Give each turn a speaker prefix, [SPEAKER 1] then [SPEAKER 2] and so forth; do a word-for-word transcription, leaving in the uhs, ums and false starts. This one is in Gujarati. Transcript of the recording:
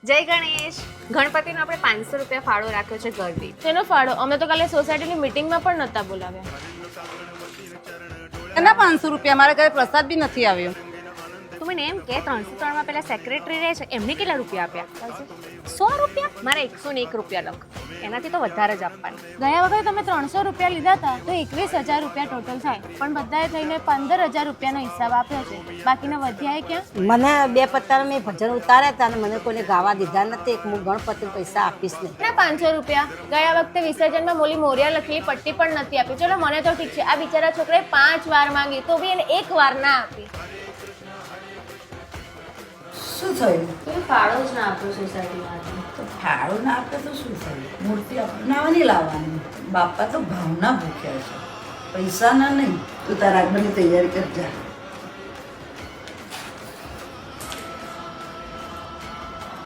[SPEAKER 1] જય ગણેશ. ગણપતિનો આપણે પાંચસો રૂપિયા ફાળો રાખ્યો છે ઘર દીઠ.
[SPEAKER 2] તેનો ફાળો અમે તો કાલે સોસાયટીની મીટિંગમાં પણ નહોતા બોલાવ્યા.
[SPEAKER 3] એના પાંચસો રૂપિયા મારા ઘરે પ્રસાદ બી નથી આવ્યો.
[SPEAKER 1] તું મને એમ કે ત્રણસો ત્રણમાં પેલા સેક્રેટરી રહે છે એમને કેટલા રૂપિયા આપ્યા? સો રૂપિયા? મારે એકસો ને એક રૂપિયા લખ. એનાથી તો વધારે જ આપવાના.
[SPEAKER 2] ગયા વખતે તમે ત્રણસો રૂપિયા લીધા હતા તો એકવીસ હજાર રૂપિયા ટોટલ થાય, પણ બધાએ થઈને પંદર હજાર રૂપિયાનો હિસાબ આપ્યો છે. બાકીના વધ્યા ક્યાં?
[SPEAKER 4] મને બે પત્તાના મેં ભજન ઉતાર્યા હતા અને મને કોઈને ગાવા દીધા નથી. એક હું ગણપતિ પૈસા આપીશ નહીં.
[SPEAKER 2] ના પાંચસો રૂપિયા ગયા વખતે વિસર્જનમાં મોલી મોરિયા લખેલી પટ્ટી પણ નથી આપી. ચલો મને તો ઠીક છે, આ બિચારા છોકરાએ પાંચ વાર માંગી તો બી એને એક વાર ના આપી.
[SPEAKER 5] શું થયું?
[SPEAKER 2] તમે ફાળો જ ના આપ્યો સોસાયટીમાં.
[SPEAKER 5] તો ફાળો ના આપે તો શું થયું? મૂર્તિ અપનાવવાની લાવવાની. બાપા તો ભાવના ભૂખ્યા છે, પૈસા ના નહીં. તું તારા આગળની તૈયારી કરજા.